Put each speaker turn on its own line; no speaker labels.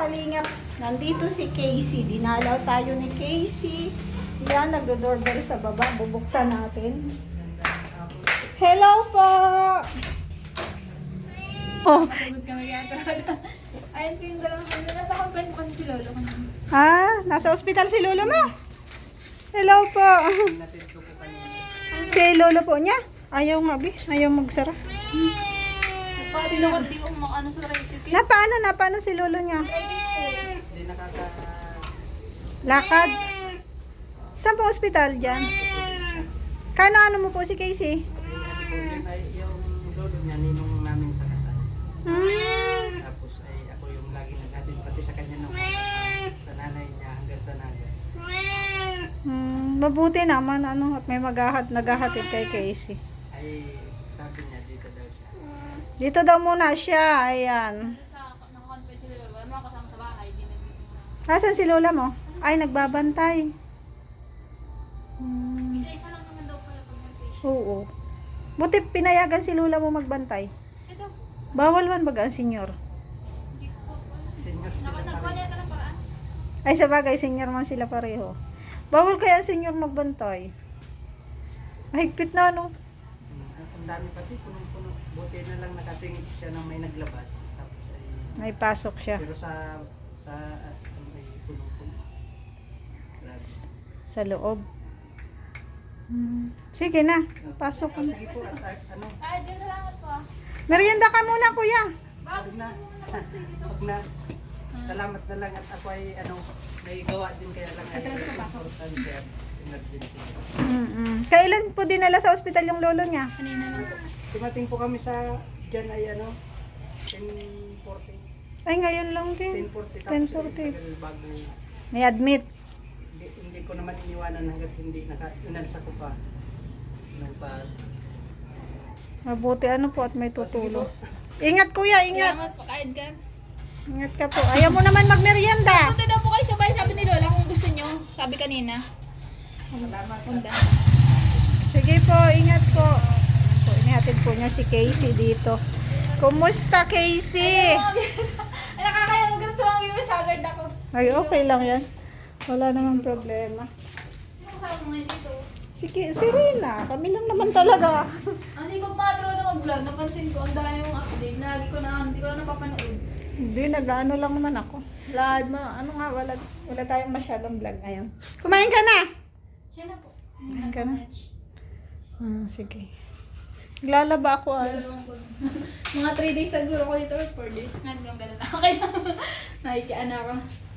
kalingap, nandito si Casey. Dinalaw tayo ni Casey. Yan, nagdo-doorbell sa baba. Bubuksan natin. Hello po! Oh.
Pagod kami kaya talaga. Ayun po yung dalawang kanya. Nasa-complain po kasi si Lolo kanina.
Ah, nasa ospital si lolo mo? Hello po. Si lolo po niya? Ayaw nga, Bi. Ayaw magsara.
Nagpakatinakot di ko makano sa tricycle.
Napaano si lolo niya?
Hindi
Lakad. Saan po ospital dyan? Ano mo po si Casey?
yung lolo niya, ninong namin sa kasal.
Hmm.
Tapos ay ako yung lagi naghatid pati sa kanya nung sa nanay niya hanggang sa naga.
Mabuti naman at may naghahatid kay Casey.
Ay sabi niya dito daw siya.
Dito daw muna siya. Ayan.
Sa nakakonfess si Lolo. Wala mga kasama sa bahay. Di nandito.
Asan si lola mo? Ay, nagbabantay.
Isa-isa lang naman daw pala pag nag-patient.
Oo. Buti pinayagan si lola mo magbantay.
Siya daw.
Bawal man baga ang senyor.
Hindi ko po alam.
Senior sila
Nagkuha niya ng paraan.
Ay, sa bagay, senyor man sila pareho. Bawal kaya ang senyor magbantay. Mahigpit na, no?
Ang dami pati punong-puno. Buti na lang nakasingit siya nang may naglabas. Tapos ay
May pasok siya.
pero sa may punong-puno. Grabe.
Sa loob. Sige na. Pasok ka na.
Sige po at ano,
Ay, din salamat po.
Merienda ka muna, kuya.
Bago gusto mo muna mag-stay dito.
wag na. Salamat na lang at ako ay may gawa din kaya lang ay importante at emergency.
Kailan po dinala sa ospital yung lolo niya?
Kanina lang po.
Dumating po kami sa dyan ay 10:40.
Ay, ngayon lang din.
10:40 tapos
10:40.
ay tagal bago
May admit.
hindi ko naman iniwanan hanggat hindi inalsa ko pa.
Mabuti po at may tutulong. Ingat, kuya, ingat.
Salamat po. Kahit ka.
Ingat ka po. Ayaw mo naman magmerienda.
Punta daw po kayo sabay. Sabi ni Lola kung gusto nyo. Sabi kanina. Punta.
Sige po, ingat po. Po, inihatid po niya si Casey dito. Kumusta, Casey?
Ay, nakakaya mag-grab sa mga viewers. Sagard ako.
Ay, okay lang yan. Wala namang problema.
Sino kasama mo ngayon dito?
Sige, si Rina. Kami lang naman talaga.
Ang sipag Madro na mag-vlog, napansin ko, ang dami mong update. Lagi ko na, hindi ko na napapanood.
Hindi, nag-ano lang naman ako. Live ma, wala tayong masyadong vlog ngayon. Kumain ka na?
Siya na po.
Kumain ka na? Sige. Naglalaba ako.
Mga 3 days siguro ko dito or 4 days. Nga, ganun na. Okay lang. Nahikian na ako.